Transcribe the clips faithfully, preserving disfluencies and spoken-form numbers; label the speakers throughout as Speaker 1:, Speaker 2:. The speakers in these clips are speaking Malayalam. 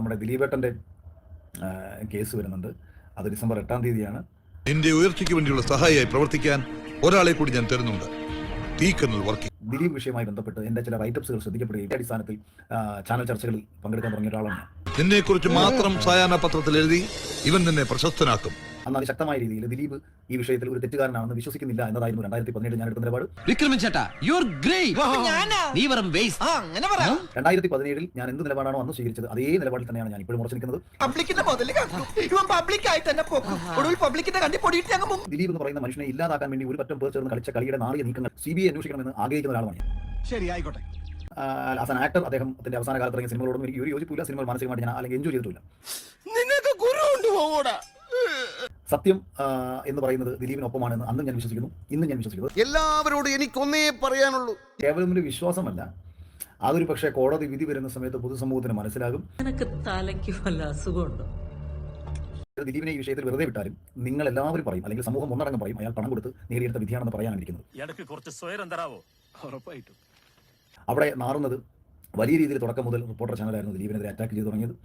Speaker 1: നമ്മുടെ ദിലീപേട്ടൻ്റെ കേസ് വരുന്നുണ്ട്. അത് ഡിസംബർ എട്ടാം തീയതിയാണ്.
Speaker 2: എന്റെ ഉയർച്ചയ്ക്ക് വേണ്ടിയുള്ള സഹായിയായി പ്രവർത്തിക്കാൻ ഒരാളെ കൂടി ഞാൻ തരുന്നുണ്ട്.
Speaker 1: ദിലീപ് വിഷയവുമായി ബന്ധപ്പെട്ട് എന്റെ ചില റൈറ്റപ്സുകൾ ശ്രദ്ധിക്കപ്പെടുകയും ഈ അടിസ്ഥാനത്തിൽ ചാനൽ ചർച്ചകളിൽ പങ്കെടുക്കാൻ തുടങ്ങിയ ഒരാളാണ് ഞാൻ.
Speaker 2: നിന്നെ കുറിച്ച് മാത്രം സായാഹ്ന പത്രത്തിൽ എഴുതി ഇവൻ നിന്നെ പ്രശസ്തനാക്കും.
Speaker 1: എന്നാൽ ശക്തമായ രീതിയിൽ ദിലീപ് ഈ വിഷയത്തിൽ ഒരു തെറ്റുകാരനാണെന്ന് വിശ്വസിക്കുന്നില്ല എന്നതായിരുന്നു രണ്ടായിരത്തി പതിനേഴ് ഞാൻ എടുത്ത നിലപാട്. രണ്ടായിരത്തി പതിനേഴിൽ ഞാൻ എന്ത് നിലപാടാണോ അന്ന് സ്വീകരിച്ചത് അതേ നിലപാടിൽ തന്നെയാണ് ഞാൻ ഇപ്പോഴും ഉറച്ചു നിൽക്കുന്നത്. ദിലീപ് എന്ന് പറയുന്ന മനുഷ്യനെ ഇല്ലാതാക്കാൻ വേണ്ടി ഒരു പറ്റം പേർ ചേർന്ന് കളിച്ച കളിയുടെ നാളിക നീക്കങ്ങൾ സി ബി ഐ അന്വേഷിക്കണമെന്ന് ആഗ്രഹിക്കുന്ന ഒരാളാണ് ഞാൻ.
Speaker 3: ശരി, ആയിക്കോട്ടെ.
Speaker 1: ആസ് ആൻ ആക്ടർ അദ്ദേഹത്തിന്റെ അവസാന കാലത്ത് ഇറങ്ങിയ സിനിമകളോടും എനിക്ക് ഒരു യോജിപ്പില്ല. സിനിമകൾ മാനസികമായിട്ട് ഞാൻ അല്ലെങ്കിൽ എൻജോയ് ചെയ്തിട്ടില്ല. സത്യം എന്ന് പറയുന്നത് ദിലീപിനൊപ്പമാണെന്ന് അന്നും ഞാൻ വിശ്വസിക്കുന്നു, ഇന്നും ഞാൻ വിശ്വസിക്കുന്നു.
Speaker 3: എല്ലാവരോടും എനിക്കൊന്നേ പറയാനുള്ളൂ,
Speaker 1: കേവലം ഒരു വിശ്വാസമല്ല, അതൊരു പക്ഷേ കോടതി വിധി വരുന്ന സമയത്ത് പൊതുസമൂഹത്തിന് മനസ്സിലാകും. ദിലീപിനെ ഈ വിഷയത്തിൽ വെറുതെ വിട്ടാലും നിങ്ങൾ എല്ലാവരും പറയും, അല്ലെങ്കിൽ സമൂഹം ഒന്നടങ്കം പറയും, അയാൾ പണം കൊടുത്ത് നേടിയെടുത്ത വിധിയാണെന്ന് പറയാനാണ് ഇരിക്കുന്നത്. അവിടെ മാറുന്നത് വലിയ രീതിയിൽ തുടക്കം മുതൽ റിപ്പോർട്ടർ ചാനലായിരുന്നു ദിലീപിനെതിരെ അറ്റാക്ക് ചെയ്തു തുടങ്ങിയത്.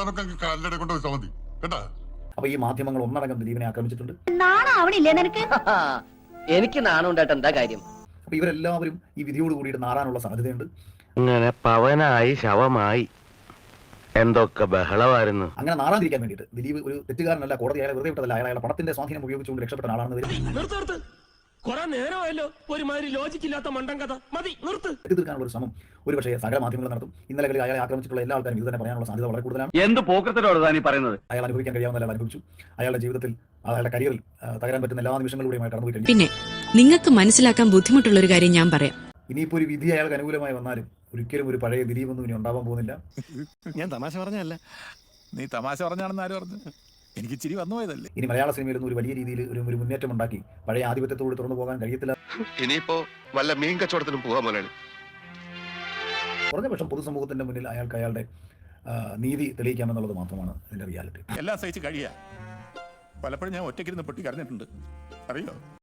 Speaker 1: അപ്പൊ ഈ മാധ്യമങ്ങൾ ഒന്നടങ്കം ദിലീപിനെ ആക്രമിച്ചിട്ടുണ്ട്.
Speaker 4: എനിക്ക് നാണുണ്ടായിട്ട് എന്താ കാര്യം?
Speaker 1: അപ്പൊ ഇവരെല്ലാവരും ഈ വിധിയോട് കൂടിയിട്ട് നാറാനുള്ള സാധ്യതയുണ്ട്.
Speaker 5: ഇങ്ങനെ പവനായി ശവമായി എന്തൊക്കെ ബഹളമായിരുന്നു.
Speaker 1: അങ്ങനെ നാറാതിരിക്കാൻ വേണ്ടിയിട്ട് ദിലീപ് ഒരു തെറ്റുകാരനല്ല, കോടതി അയാളെ വെറുതെ വിട്ടതല്ല, അയാളെ പണത്തിന്റെ സ്വാധീനം ഉപയോഗിച്ചുകൊണ്ട് രക്ഷപ്പെട്ട ആളാണെന്ന് വരും. തീർക്കാനുള്ള ഒരു ശ്രമം ഒരു പക്ഷേ സകല മാധ്യമങ്ങൾ നടത്തും. ഇന്നലെ അയാളെ ആക്രമിച്ചിട്ടുള്ള എല്ലാ ആൾക്കാരും ഇത് തന്നെ പറയാനുള്ള സാധ്യത വളരെ കൂടുതലാണ്.
Speaker 5: എന്ത് പോക്കത്തിലോട് താനീ പറയുന്നത്?
Speaker 1: അയാൾ അനുഭവിക്കാൻ കഴിയാവുന്ന അയാൾ അനുഭവിച്ചു. അയാളുടെ ജീവിതത്തിൽ അയാളുടെ കരിയറിൽ തകരാൻ പറ്റുന്ന എല്ലാ നിമിഷങ്ങളിലൂടെയുമായി കടന്നുപോയി കഴിഞ്ഞു.
Speaker 6: പിന്നെ നിങ്ങൾക്ക് മനസ്സിലാക്കാൻ ബുദ്ധിമുട്ടുള്ള ഒരു കാര്യം ഞാൻ പറയാം.
Speaker 1: ഇനിയിപ്പോ ഒരു വിധി അയാൾക്ക് അനുകൂലമായി വന്നാലും ഒരിക്കലും ഒരു പഴയ ദിലീപൊന്നും ഇനി ഉണ്ടാവാൻ പോകുന്നില്ല.
Speaker 3: ഞാൻ തമാശ പറഞ്ഞല്ല, നീ തമാശ പറഞ്ഞാണെന്ന് ആര് പറഞ്ഞു? എനിക്ക് ചിരി വന്നു പോയതല്ലേ.
Speaker 1: ഇനി മലയാള സിനിമയിൽ ഒരു വലിയ രീതിയിൽ ഒരു ഒരു മുന്നേറ്റം ഉണ്ടാക്കി പഴയ ആധിപത്യത്തോട് തുറന്നു പോകാൻ കഴിയത്തില്ല.
Speaker 7: ഇനിയിപ്പോ വല്ല മീൻ കച്ചവടത്തിനും പോകാൻ പോലെയാണ്.
Speaker 1: കുറഞ്ഞ പക്ഷം പൊതുസമൂഹത്തിന്റെ മുന്നിൽ അയാൾക്ക് അയാളുടെ നീതി തെളിയിക്കാമെന്നുള്ളത് മാത്രമാണ് ഇതിന്റെ റിയാലിറ്റി.
Speaker 3: എല്ലാം സഹിച്ച് കഴിയാ. പലപ്പോഴും ഞാൻ ഒറ്റയ്ക്കിരുന്ന് പൊട്ടി കരഞ്ഞിട്ടുണ്ട്, അറിയോ?